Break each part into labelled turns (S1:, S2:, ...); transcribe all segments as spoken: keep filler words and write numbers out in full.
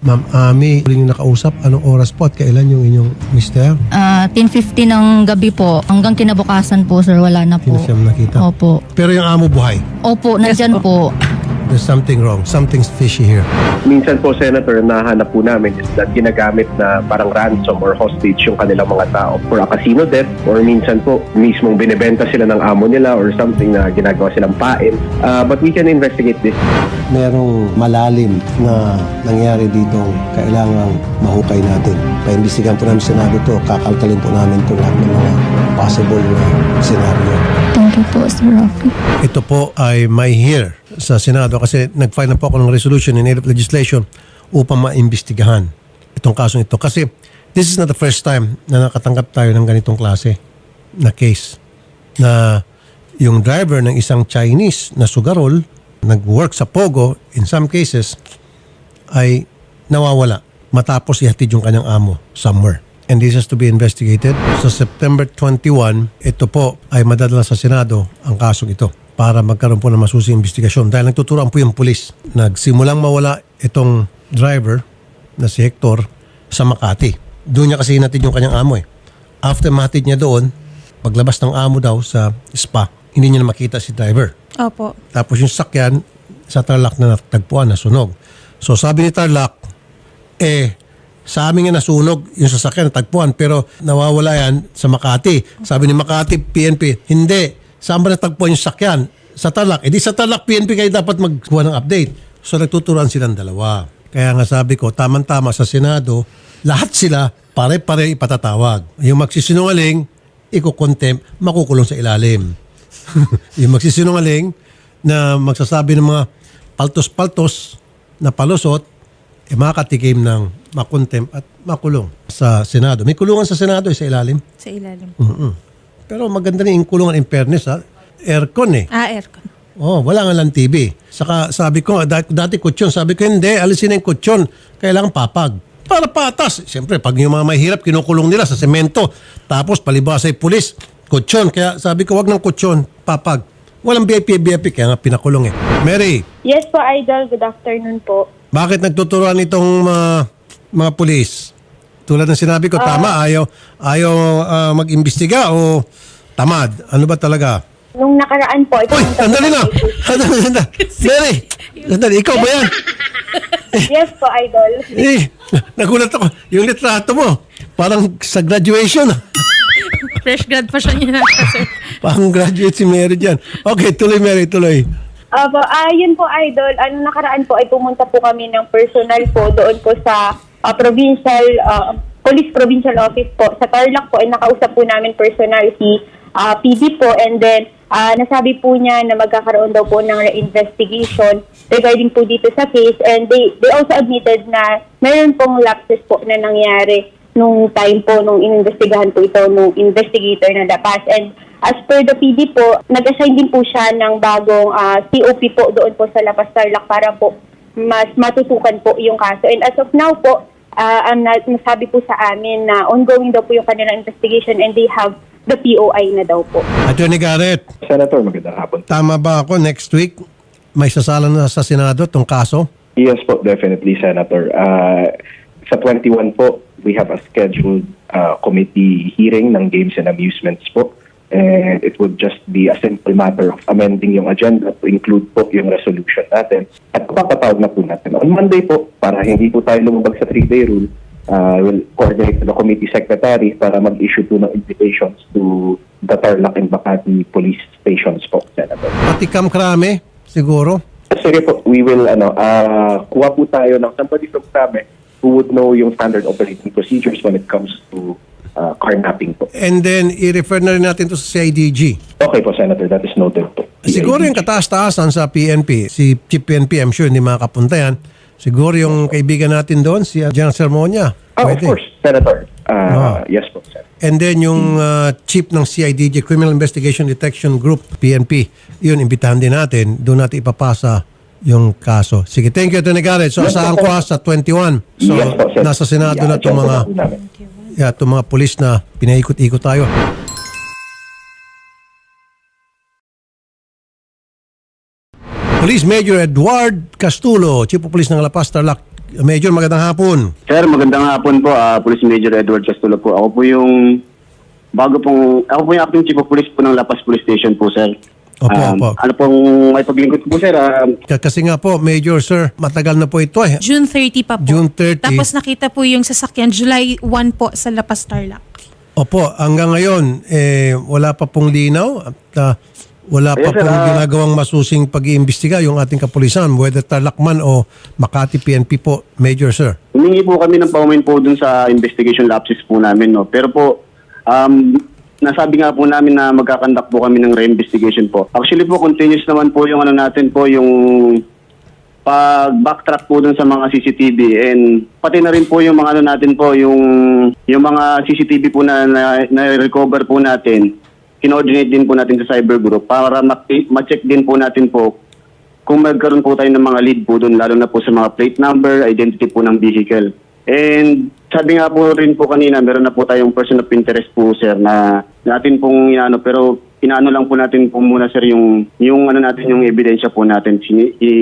S1: Ma'am Ami, huling yung nakausap, anong oras po at kailan yung inyong mister?
S2: Ah, ten fifty ng gabi po. Hanggang kinabukasan po, sir. Wala na po.
S1: Hindi na siya nakita?
S2: Opo.
S1: Pero yung amo buhay,
S2: Opo, nandyan po.
S1: there's something wrong. Something's fishy here.
S3: Minsan po, Senator, nahanap po namin is that ginagamit na parang ransom or hostage yung kanilang mga tao for a casino debt, or minsan po mismong binibenta sila ng amo nila or something na ginagawa silang pain. Uh, but we can investigate this.
S1: Merong malalim na nangyari dito kailangang mahukay natin. Paimbestigahan po namin Senado to, kakalkalin po namin ito lahat ng mga possible na scenario.
S2: Thank you po, Sir Rafi.
S1: Ito po ay may hear sa Senado kasi nag-file na po ako ng resolution in aid of legislation upang maimbestigahan itong kasong ito. Kasi this is not the first time na nakatanggap tayo ng ganitong klase na case na yung driver ng isang Chinese na sugarol nag-work sa Pogo, in some cases ay nawawala matapos ihatid yung kanyang amo somewhere. And this has to be investigated. Sa September twenty-one, ito po ay madadala sa Senado ang kasong ito para magkaroon po ng masusing investigasyon. Dahil nagtuturoan po yung pulis. Nagsimulang mawala itong driver na si Hector sa Makati. Doon niya kasi hinatid yung kanyang amo eh. After mahatid niya doon, paglabas ng amo daw sa spa, hindi niya na makita si driver.
S4: Opo.
S1: Tapos yung sakyan sa Tarlac na natagpuan, nasunog. So sabi ni Tarlac, eh, sa amin nga nasunog yung sasakyan natagpuan pero nawawala yan sa Makati. Sabi ni Makati, P N P, hindi. Saan ba natagpuan yung sakyan? Sa Tarlac. Eh di sa Tarlac, P N P kayo dapat magkuha ng update. So nagtuturuan silang dalawa. Kaya nga sabi ko, tamang-tama sa Senado, lahat sila pare-pare ipatatawag. Yung magsisinungaling, iko-contempt, makukulong sa ilalim. Yung magsisinungaling na magsasabi ng mga paltos-paltos na palusot, eh makakatikim ng makontem at makulong sa Senado. May kulungan sa Senado eh, sa ilalim.
S4: Sa ilalim.
S1: Mm-mm. Pero maganda rin yung kulungan in fairness ha. Aircon eh.
S4: Ah, aircon.
S1: Oh, wala nga lang T V. Saka sabi ko, dati, dati kutsyon, sabi ko hindi, alisin na yung kutsyon. Kailangan papag. Para patas. Siyempre, pag yung mga mahirap, kinukulong nila sa semento. Tapos palibasa ay pulis, kutsyon. Kaya sabi ko, wag ng kutsyon, papag. Walang B I P, B I P, kaya nga pinakulong eh. Mary,
S5: Yes po, Idol. Good afternoon po.
S1: bakit nagtuturuan itong mga, mga pulis? Tulad ng sinabi ko, tama, ayaw, ayaw ah, mag-imbestiga o tamad? Ano ba talaga?
S5: Nung nakaraan po, ito
S1: Uy, sandali na! Sandali, sandali. Mary, sandali, ikaw ba yan?
S5: Yes po, Idol.
S1: Eh, nagulat ako. Yung litrato mo, parang sa graduation.
S4: Fresh grad pa siya niya, sir.
S1: Parang graduate si Mary dyan. Okay, tuloy Mary, tuloy.
S5: Aba, ah, yun po, Idol. Ano nakaraan po ay pumunta po kami ng personal po doon po sa ah, provincial, ah, police provincial office po. Sa Tarlac po ay nakausap po namin personal si ah, P D po, and then ah, nasabi po niya na magkakaroon daw po ng investigation regarding po dito sa case, and they, they also admitted na mayroon pong lapses po na nangyari nung time po nung inimbestigahan po ito nung investigator na Dapas. And as per the P D po, nag-assign din po siya ng bagong ah, C O P po doon po sa Lapas Tarlac para po mas matutukan po yung kaso. And as of now po, uh, ang na- nasabi po sa amin na ongoing daw po yung kanilang investigation and they have the P O I na daw po.
S1: Attorney Garrett,
S3: Senator, magandang hapon.
S1: tama ba ako next week may sasala na sa Senado itong kaso?
S3: Yes po, definitely, Senator. Uh, sa twenty-one po, we have a scheduled uh, committee hearing ng Games and Amusements po. And it would just be a simple matter of amending yung agenda to include po yung resolution natin. At papatawag na po natin. On Monday po, para hindi po tayo lumabag sa three-day rule, uh, we'll coordinate with the committee secretary para mag-issue po ng invitations to the Tarlac and Makati police stations po, Senator.
S1: Pati Cam Krame, siguro?
S3: Sige po, we will, ano, uh, kuha po tayo ng somebody from Krame who would know yung standard operating procedures when it comes to uh, carnapping po.
S1: And then, i-refer na rin natin to sa C I D G.
S3: Okay po, Senator, that is noted po.
S1: Siguro yung kataas-taasan sa P N P, si Chief P N P, I'm sure hindi makakapunta yan. Siguro yung kaibigan natin doon, si General Sermonia.
S3: Oh, of
S1: Pwede.
S3: course, Senator. Uh, Yes po, Senator.
S1: And then yung uh, chief ng C I D G, Criminal Investigation Detection Group, P N P, yun, imbitahan din natin. Doon natin ipapasa yung kaso. Sige, thank you, Attorney Garrett. So,
S3: Yes,
S1: asahan
S3: po,
S1: ko ha, sa twenty-one. So,
S3: Yes po, Senator.
S1: nasa Senado na itong
S3: Yeah,
S1: mga,
S3: agenda po namin.
S1: yeah, itong mga pulis na pinaikot-ikot tayo. Police Major Edward Castulo, Chief of Police ng La Paz, Tarlac, Major, magandang hapon.
S6: Sir, magandang hapon po. ah Police Major Edward Castulo po. Ako po yung bago pong, ako po yung acting chief of police po ng La Paz Police Station po, sir.
S1: Opo,
S6: Um,
S1: opo.
S6: Ano pong may paglingkod po, sir? Ah,
S1: K- Kasi nga po, Major, sir, matagal na po ito eh.
S4: June thirty pa po.
S1: June thirty.
S4: Tapos nakita po yung sasakyan July one po sa La Paz Tarlac.
S1: Opo, hanggang ngayon, eh, wala pa pong linaw at ah, wala pa
S6: Yes, sir,
S1: pong
S6: ah.
S1: ginagawang masusing pag-iimbestiga yung ating kapulisan, whether Tarlac man o Makati P N P po, Major, sir.
S6: humingi po kami ng paumin po dun sa investigation lapses po namin, no? Pero po, um, nasabi nga po namin na magkakandak po kami ng re-investigation po. Actually po, continuous naman po yung ano natin po, yung pag-backtrack po dun sa mga C C T V and pati na rin po yung mga ano natin po, yung, yung mga C C T V po na, na, na-recover po natin, kinoordinate din po natin sa cyber group para ma- ma-check din po natin po kung magkaroon po tayo ng mga lead po doon, lalo na po sa mga plate number, identity po ng vehicle. And sabi nga po rin po kanina, meron na po tayong person of interest po, sir, na natin pong inaano, pero inaano lang po natin po muna, sir, yung, yung ano natin, yung ebidensya po natin. Sini, i,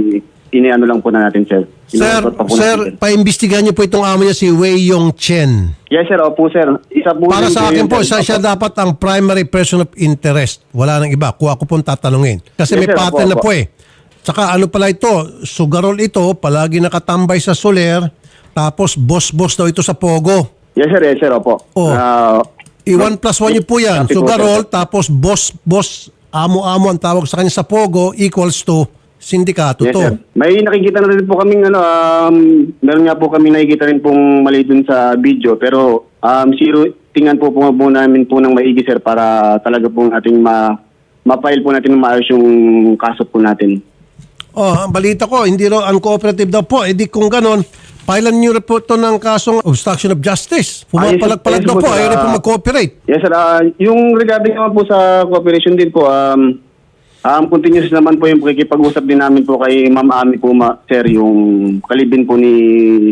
S6: iniano lang po na natin, sir.
S1: Sir,
S6: Inuutot pa po
S1: sir,
S6: natin,
S1: paimbestigahan niyo po itong amo niya si Wei Yong Chen.
S6: Yes, sir. Opo, sir. Isa po
S1: Para
S6: rin
S1: sa akin
S6: yun,
S1: po,
S6: sir.
S1: siya, siya dapat ang primary person of interest. Wala nang iba. Kung ako pong tatanungin. Kasi
S6: Yes,
S1: may
S6: sir.
S1: pattern
S6: Opo,
S1: na
S6: opo.
S1: po eh. Tsaka ano pala ito, sugarol ito, palagi nakatambay sa soler, tapos boss-boss daw ito sa Pogo.
S6: Yes, sir. Yes, sir. Opo.
S1: Oh.
S6: Ah,
S1: I one plus one niyo po yan.
S6: Copy po,
S1: Sugarol,
S6: sir.
S1: tapos boss-boss, amo-amo ang tawag sa kanya sa Pogo equals to sindikato
S6: Yes,
S1: to.
S6: sir. May nakikita na rin po kaming ano, um, meron nga po kami nakikita rin pong mali dun sa video, pero um, zero, tingnan po po, po namin po ng maigi, sir, para talaga po natin ma, ma-file po natin ng maayos yung kaso po natin.
S1: Oh, ang balita ko, hindi raw uncooperative daw po. Eh di kung ganon, pailan niyo rin po ito ng kasong obstruction of justice. Pumapalag-palag
S6: Ah, yes,
S1: daw
S6: yes,
S1: po,
S6: sir.
S1: ayaw rin po
S6: Ah,
S1: mag-cooperate.
S6: Yes, sir. Ah, yung regarding naman po sa cooperation din po, um, um, continuous naman po yung pakikipag-usap din namin po kay Ma'am Ami po, ma- sir, yung kalibin po ni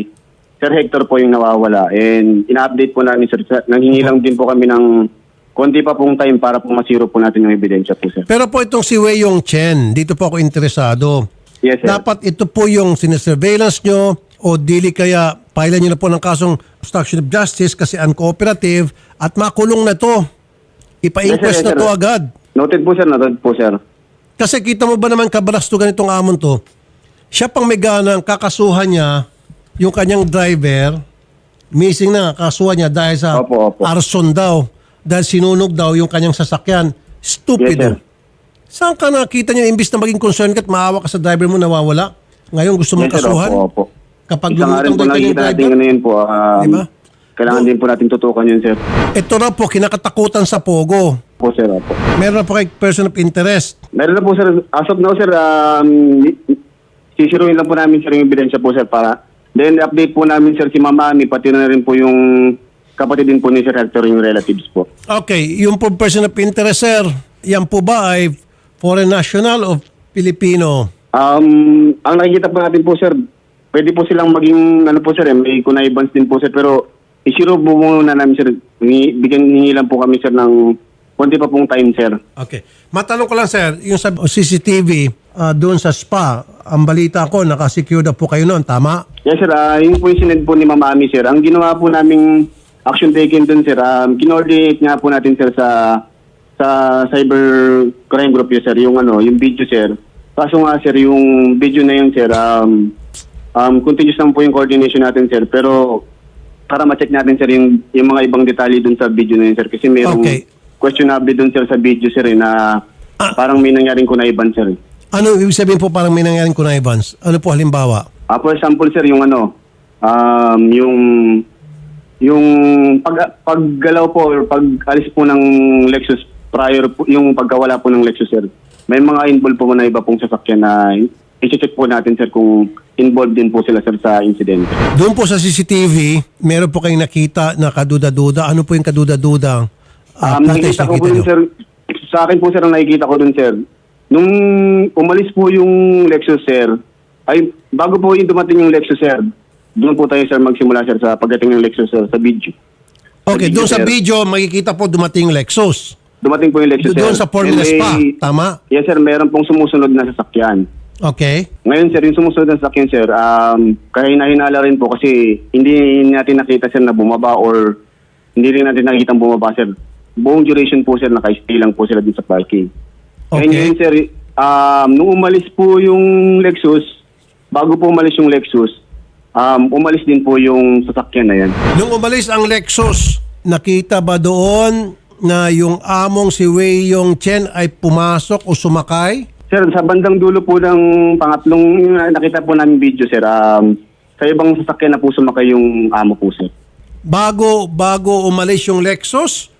S6: Sir Hector po yung nawawala. And ina-update po namin, sir. Sir, nanghingi lang din po kami ng konti pa pong time para po masiro po natin yung ebidensya po, sir.
S1: Pero po itong si Wei Yong Chen, dito po ako interesado.
S6: Yes, sir.
S1: Dapat ito po yung sinesurveillance nyo o dili kaya pailan nyo na po ng kasong obstruction of justice kasi uncooperative at makulong na to. Ipa-inquest
S6: Yes, sir, yes,
S1: na to
S6: sir.
S1: agad.
S6: Noted po, sir. Noted po, sir.
S1: Kasi kita mo ba naman kabalastugan itong amon to, siya pang may ganang kakasuhan niya yung kanyang driver, missing na kasuhan niya dahil sa
S6: Opo, opo.
S1: arson daw, dahil sinunog daw yung kanyang sasakyan. Stupido.
S6: Yes, sir.
S1: Saan ka nakita niyo, imbis na maging concerned ka at maawa ka sa driver mo nawawala? Ngayon gusto mong
S6: Yes, sir.
S1: kasuhan?
S6: Opo, opo.
S1: Kapag
S6: Isa nga rin
S1: lumutang
S6: po
S1: daw yung
S6: nakikita natin
S1: driver?
S6: ano yun po. Um,
S1: Diba?
S6: Kailangan din po natin tutukan yun, sir.
S1: Ito na po, kinakatakutan sa Pogo.
S6: Po, sir. Opo.
S1: Meron na po kay person of interest.
S6: Meron na po, sir. As of now, sir, um, sisiruin lang po namin, sir, yung ebidensya po, sir, para then update po namin, sir, si Mama Ami, pati na rin po yung kapatid din po ni Sir Hector, yung relatives po.
S1: Okay, yung po person of interest, sir, yan po ba ay foreign national o Filipino?
S6: Um, ang nakikita po natin po, sir, pwede po silang maging, ano po, sir, eh, may connivance din po, sir, pero isiro po muna namin, sir, Ni- bigyan hingi lang po kami, sir, ng konti pa pong time, sir.
S1: Okay. Matanong ko lang, sir, yung sa C C T V ah, doon sa spa, ang balita ko, nakasecure na po kayo noon, tama?
S6: Yes, sir. Uh, yun po yung sinend po ni Mama Ami, sir. Ang ginawa po naming action taken dun, sir, um, kinoordinate nga po natin, sir, sa sa cyber crime group yun, sir, yung ano, yung video, sir. Kaso nga, sir, yung video na yun, sir, um, um, continuous lang po yung coordination natin, sir. Pero para ma-check natin, sir, yung, yung mga ibang detalye dun sa video na yun, sir. Kasi mayroong
S1: Okay.
S6: questionable dun, sir, sa video, sir, eh, na parang may nangyaring kunaiban, sir.
S1: Ano ibig sabihin po parang may nangyaring connivance? Ano po halimbawa?
S6: Ah, for example, sir, yung ano, um, yung yung pag paggalaw po or pag-alis po ng Lexus prior po, yung pagkawala po ng Lexus, sir. May mga involved po na iba pong sasakyan na i-check po natin, sir, kung involved din po sila, sir, sa incident.
S1: Doon po sa C C T V, meron po kayong nakita na kaduda-duda. Ano po yung kaduda-duda? Ah,
S6: Um, nakikita ko po dun, sir, sa akin po, sir, ang nakikita ko dun, sir, nung umalis po yung Lexus, sir, ay bago po yung dumating yung Lexus, sir, doon po tayo, sir, magsimula, sir, sa pagdating ng Lexus, sir, sa video.
S1: Okay,
S6: Sa
S1: doon sa
S6: sir.
S1: video, makikita po dumating yung Lexus.
S6: Dumating po yung Lexus, sir.
S1: Doon sa Formula
S6: And may-
S1: Spa, tama?
S6: Yes, sir, meron pong sumusunod na sasakyan.
S1: Okay.
S6: Ngayon sir, yung sumusunod na sasakyan sir, um, kahina-hinala rin po kasi hindi natin nakita sir na bumaba or hindi rin natin nakikita bumaba sir. Buong duration po sir, naka-stay lang po sila din sa parking.
S1: Okay.
S6: Ngayon sir, um, nung umalis po yung Lexus, bago po umalis yung Lexus, um, umalis din po yung sasakyan na yan.
S1: Nung umalis ang Lexus, nakita ba doon na yung among si Wei Yong Chen ay pumasok o sumakay?
S6: Sir, sa bandang dulo po ng pangatlong yung nakita po namin video, sir, um, sa ibang sasakyan na po sumakay yung amo po, sir.
S1: Bago bago umalis yung Lexus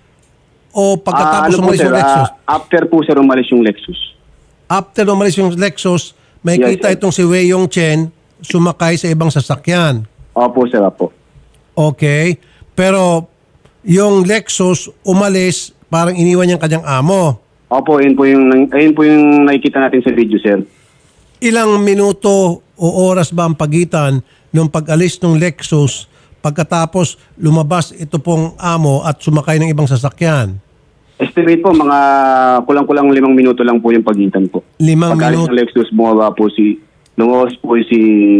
S1: o pagkatapos
S6: Ah, ano po,
S1: umalis
S6: sir,
S1: yung Lexus?
S6: ah, after po, sir, umalis yung Lexus.
S1: After umalis yung Lexus, may
S6: Yes,
S1: kita
S6: sir.
S1: itong si Wei Yong Chen sumakay sa ibang sasakyan.
S6: Opo, sir, opo.
S1: Okay. Pero yung Lexus umalis, parang iniwan niyang kanyang amo.
S6: Opo, ayun po yung, ayun po yung nakikita natin sa video, sir.
S1: Ilang minuto o oras ba ang pagitan nung pag-alis ng Lexus pagkatapos lumabas ito pong amo at sumakay ng ibang sasakyan?
S6: Estimate po, mga kulang-kulang limang minuto lang po yung pagitan po.
S1: Limang
S6: Pag-alis
S1: minuto.
S6: ng Lexus, bumaba po si, lumabas po si,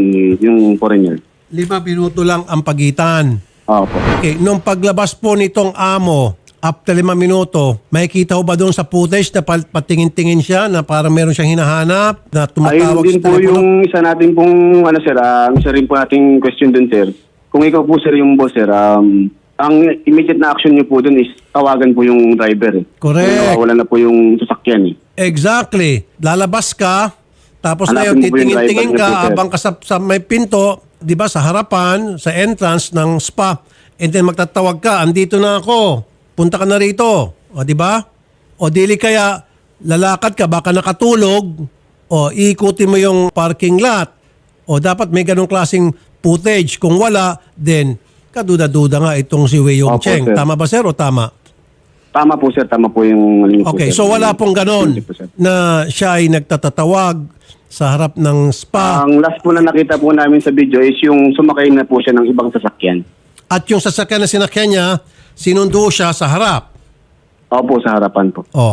S6: yung foreigner.
S1: Lima minuto lang ang pagitan.
S6: Opo.
S1: Okay, nung paglabas po nitong amo, after lima minuto, makikita ho ba doon sa footage na pa- patingin-tingin siya na parang meron siyang hinahanap na tumatawag
S6: Ayun din
S1: sa
S6: po
S1: telepono?
S6: yung isa natin pong, ano sir, ah, isa rin po nating question dun sir. Kung ikaw po sir yung boss sir, um, ang immediate na action niyo po dun is tawagan po yung driver. Eh.
S1: Correct.
S6: Wala na po yung sasakyan eh.
S1: Exactly. Lalabas ka, tapos
S6: Hanapin
S1: ngayon
S6: mo po yung
S1: titingin-tingin
S6: driver
S1: ka
S6: niyo po, sir.
S1: abang ka sa, sa may pinto, di ba, sa harapan, sa entrance ng spa, and then magtatawag ka, andito na ako, punta ka na rito. O, di ba? O, dili kaya, lalakad ka, baka nakatulog, o, iikutin mo yung parking lot. O, dapat may ganong klaseng footage. Kung wala, then, kaduda-duda nga itong si Wei Yong
S6: Opo,
S1: Cheng.
S6: sir.
S1: Tama ba, sir, o tama?
S6: Tama po sir, tama po yung... ano niyo po,
S1: Okay,
S6: sir.
S1: so wala pong ganon
S6: Hindi po, sir.
S1: na siya ay nagtatatawag sa harap ng spa
S6: Ang last po na nakita po namin sa video is yung sumakay na po siya ng ibang sasakyan.
S1: at yung sasakyan na sinakyan niya, sinundo siya sa harap.
S6: Opo, sa harapan po.
S1: Oh.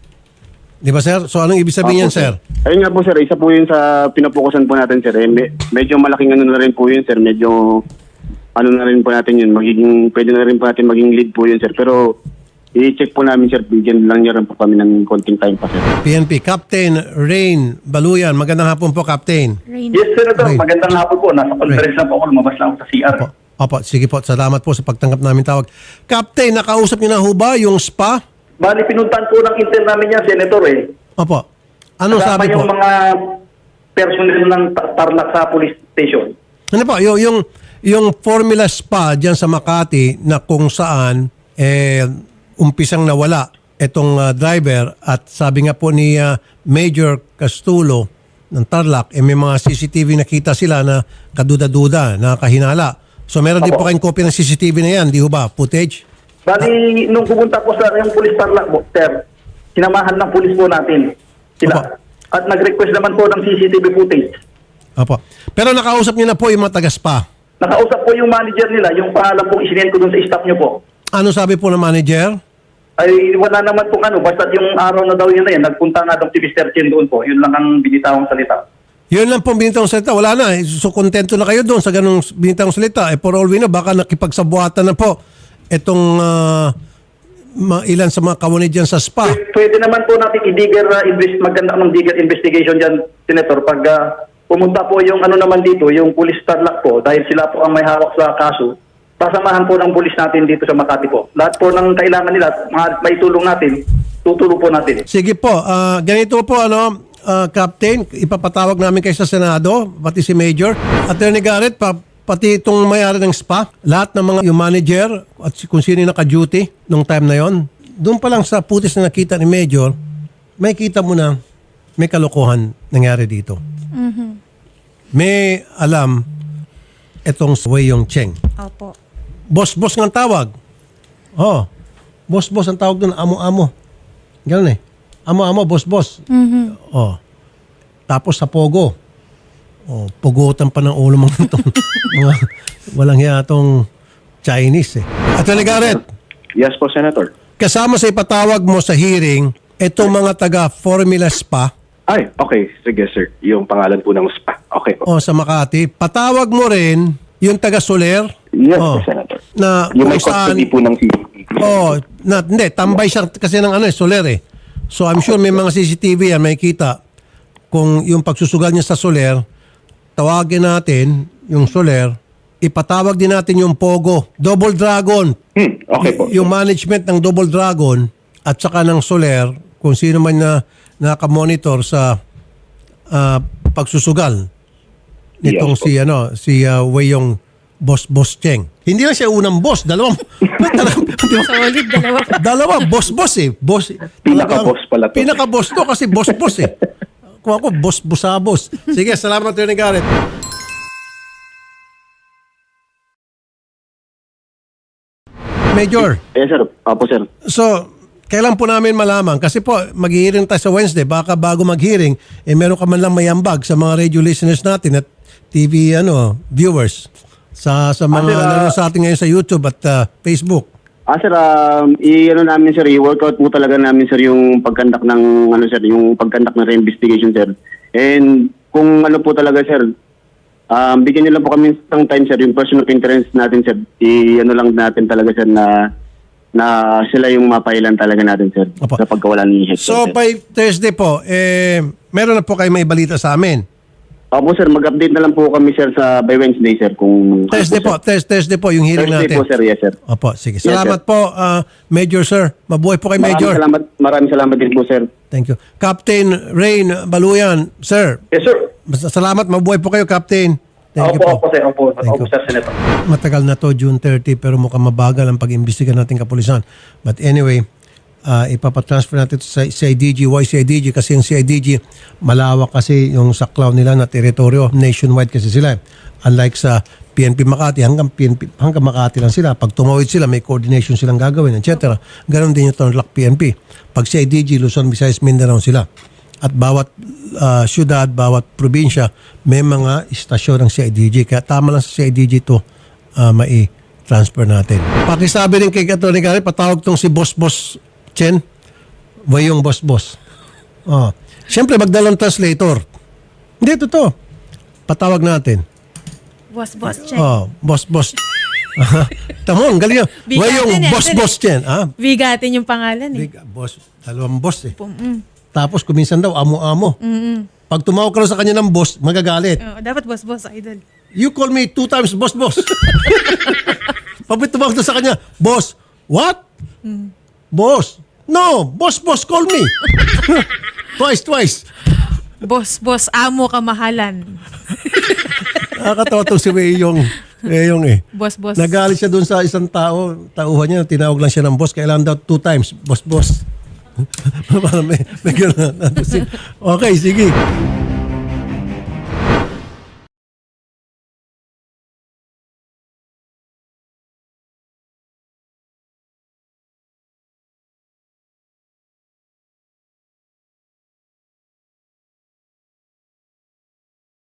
S1: Di ba, sir? So anong ibig sabihin
S6: Opo,
S1: yan, sir?
S6: Ayun nga po sir, isa po yun sa pinapokusan po natin sir. Eh, me- medyo malaking ano na rin po yun sir, medyo ano na rin po natin yun, magiging, pwede na rin po natin maging lead po yun sir. Pero i-check po namin sir, bigyan lang niya rin po kami ng konting time pa sir.
S1: P N P, Captain Rain Baluyan. Magandang hapon po, Captain.
S4: Rain.
S7: Yes, Senator.
S1: Right.
S7: Magandang hapon po. Nasa conference na po ako. Lumabas lang ako sa C R.
S1: Opo. Opo, sige po. Salamat po sa pagtanggap namin tawag. Captain, nakausap niyo na ho ba yung spa?
S7: Bali, pinuntan po ng intern namin yan, Senator eh.
S1: Opo. Anong
S7: Kasama
S1: sabi po?
S7: yung mga personnel ng Ta- Tarlac sa police station.
S1: Ano po, yung, yung, yung Formula Spa dyan sa Makati na kung saan eh, umpisang nawala itong ah, driver at sabi nga po ni ah, Major Castulo ng Tarlac, eh, may mga C C T V nakita sila na kaduda-duda, nakahinala. So meron din po
S7: Opo.
S1: kayong copy ng C C T V na yan, di ho ba? Footage?
S7: Bali, nung pumunta po sa yung police Tarlac po, sir, sinamahan ng police po natin sila.
S1: Opo.
S7: At nag-request naman po ng C C T V footage.
S1: Opo. Pero nakausap niyo na po yung mga taga-spa.
S7: Nakausap po yung manager nila, yung pangalan pong isinend ko dun sa staff nyo po.
S1: Ano sabi po ng manager?
S7: Ay wala naman pong ano, basta yung araw na daw yun na yan, nagpunta nga daw si Mister Chen doon po. Yun lang ang binitawang salita.
S1: Yun lang pong binitang salita. Wala na. eh. So, kontento na kayo doon sa ganung binitang salita. Eh, for all we know, baka nakipagsabuatan na po itong ah, ma- ilan sa mga kawanid dyan sa spa.
S7: Pwede, pwede naman po natin i-digger, uh, invest, maganda ng digger investigation dyan, Senator, pag ah, pumunta po yung ano naman dito, yung police Tarlac po, dahil sila po ang may hawak sa kaso, pasamahan po ng police natin dito sa Makati po. Lahat po ng kailangan nila, mga may tulong natin, tutulong po natin.
S1: Sige po. ah, ganito po, ano, ah, Captain, ipapatawag namin kayo sa Senado, pati si Major. Attorney Garrett, pa, pati itong may-ari ng spa, lahat ng mga yung manager at si- kung sino yung naka-duty nung time na yon, doon pa lang sa putis na nakita ni Major, may kita mo na may kalokohan nangyari dito. May alam itong Wei Yong Cheng.
S4: Opo.
S1: Boss-boss ng tawag. Oh. Boss-boss ang tawag doon, amo-amo. Ganun eh. Amo-amo, boss-boss. Oh. Tapos sa pogo. Oh, pugutan pa ng ulo mga itong mga walang hiya itong Chinese eh. Attorney Garrett,
S3: Yes po, Senator.
S1: kasama sa ipatawag mo sa hearing, itong mga taga Formula Spa
S3: Ay, okay. Sige, sir. Yung pangalan po ng spa. Okay po.
S1: O, sa Makati. Patawag mo rin yung taga-Soler.
S3: Yes,
S1: Oh.
S3: Senator.
S1: Na
S3: Yung
S1: kung
S3: may custody
S1: saan-
S3: po ng C C T V.
S1: Oh, na, hindi, tambay siya kasi ng ano eh, Soler eh. So I'm sure may mga C C T V yan, may kita. Kung yung pagsusugal niya sa Soler, tawagin natin yung Soler, ipatawag din natin yung Pogo, Double Dragon.
S3: Hmm, okay po.
S1: Y- yung management ng Double Dragon at saka ng Soler, kung sino man na nakamonitor sa ah, pagsusugal nitong
S3: Yes po.
S1: si ano si uh, Weyong Boss Boss Cheng. Hindi lang siya unang boss, dalawang dalawang- di ba?
S4: Solid, dalawa.
S1: Dalawa, boss-boss eh. Boss,
S3: Pinaka-boss pala to.
S1: Pinaka-boss to kasi boss-boss eh. Kung ako, boss-busabos. Sige, salamat Attorney Garrett. Major,
S6: Yes, sir. Opo, sir.
S1: so, kailan po namin malaman? Kasi po, mag-hearing tayo sa Wednesday. Baka bago mag-hearing, eh meron ka man lang mayambag sa mga radio listeners natin at T V ano viewers sa sa mga
S6: Ah, sir, ah,
S1: nanonood sa atin ngayon sa YouTube at ah, Facebook.
S6: Ah, sir, um, i-ano namin, sir, i-workout po talaga namin, sir, yung pagkandak ng, ano, sir, yung pagkandak ng re-investigation, sir. And kung ano po talaga, sir, um, bigyan niyo lang po kami ng time, sir, yung person of interest natin, sir, i-ano lang natin talaga, sir, na na sila yung mapailan talaga natin, sir,
S1: Opo.
S6: sa pagkawalan ni Hector,
S1: So,
S6: sir.
S1: by Thursday po, eh, meron na po kayo may balita sa amin.
S6: Opo, sir, mag-update na lang po kami, sir, sa by Wednesday, sir, kung...
S1: Thursday po,
S6: ano
S1: Thurs- Thursday po yung hearing
S6: Thursday
S1: natin.
S6: po, sir, yes, sir.
S1: Opo, sige.
S6: Yes,
S1: Salamat po, ah, Major Sir. Mabuhay po kay
S6: Maraming
S1: Major.
S6: salamat, maraming salamat din po, sir.
S1: Thank you. Captain Rain Baluyan, Sir.
S7: Yes, sir.
S1: Basta salamat, mabuhay po kayo, Captain. Thank you
S7: Opo,
S1: po.
S7: opo, sir. Opo,
S1: Thank
S7: opo,
S1: you.
S7: sir, Senator.
S1: Matagal na to, June thirtieth, pero mukhang mabagal ang pag-imbestiga natin kapulisan. But anyway, uh, ipapatransfer natin ito sa C I D G. Why C I D G? Kasi yung C I D G, malawak kasi yung saklaw nila na teritoryo. Nationwide kasi sila. Unlike sa P N P Makati, hanggang P N P, hanggang Makati lang sila. Pag tumawid sila, may coordination silang gagawin, et cetera. Ganon din yung Tarlac P N P. Pag C I D G, Luzon, Visayas, Mindanao sila. At bawat uh, syudad, bawat probinsya, may mga istasyon ng C I D G. Kaya tama lang sa C I D G to uh, mai-transfer natin. Pakisabi rin kay Atty. Garrett, patawag tong si Boss Boss Chen. Wayong Boss Boss. Oh. Siyempre, magdalang translator. Hindi, totoo. Patawag natin.
S4: Boss, boss, check.
S1: Oh, Boss Boss. Tamo, ang galing.
S4: Bigatin
S1: Wayong
S4: yan,
S1: Boss
S4: sir.
S1: Boss Chen. Ah,
S4: Bigatin yung pangalan eh.
S1: big, boss. Dalawang boss eh.
S4: Mm-mm.
S1: Tapos kuminsan daw, amo-amo. Pag tumawag ka lang sa kanya ng boss, magagalit.
S4: Oh, dapat boss, boss, idol.
S1: You call me two times boss, boss. Pag tumawag ka sa kanya, boss, what? Boss. No, boss, boss, call me. twice, twice.
S4: Boss, boss, amo kamahalan.
S1: Nakakatawa itong si Weyong. Weyong eh.
S4: Boss, boss.
S1: Nagalit siya dun sa isang tao, tauhan niya, tinawag lang siya ng boss, kailangan daw two times, boss, boss. Parang may, may gano'n. Okay, sige.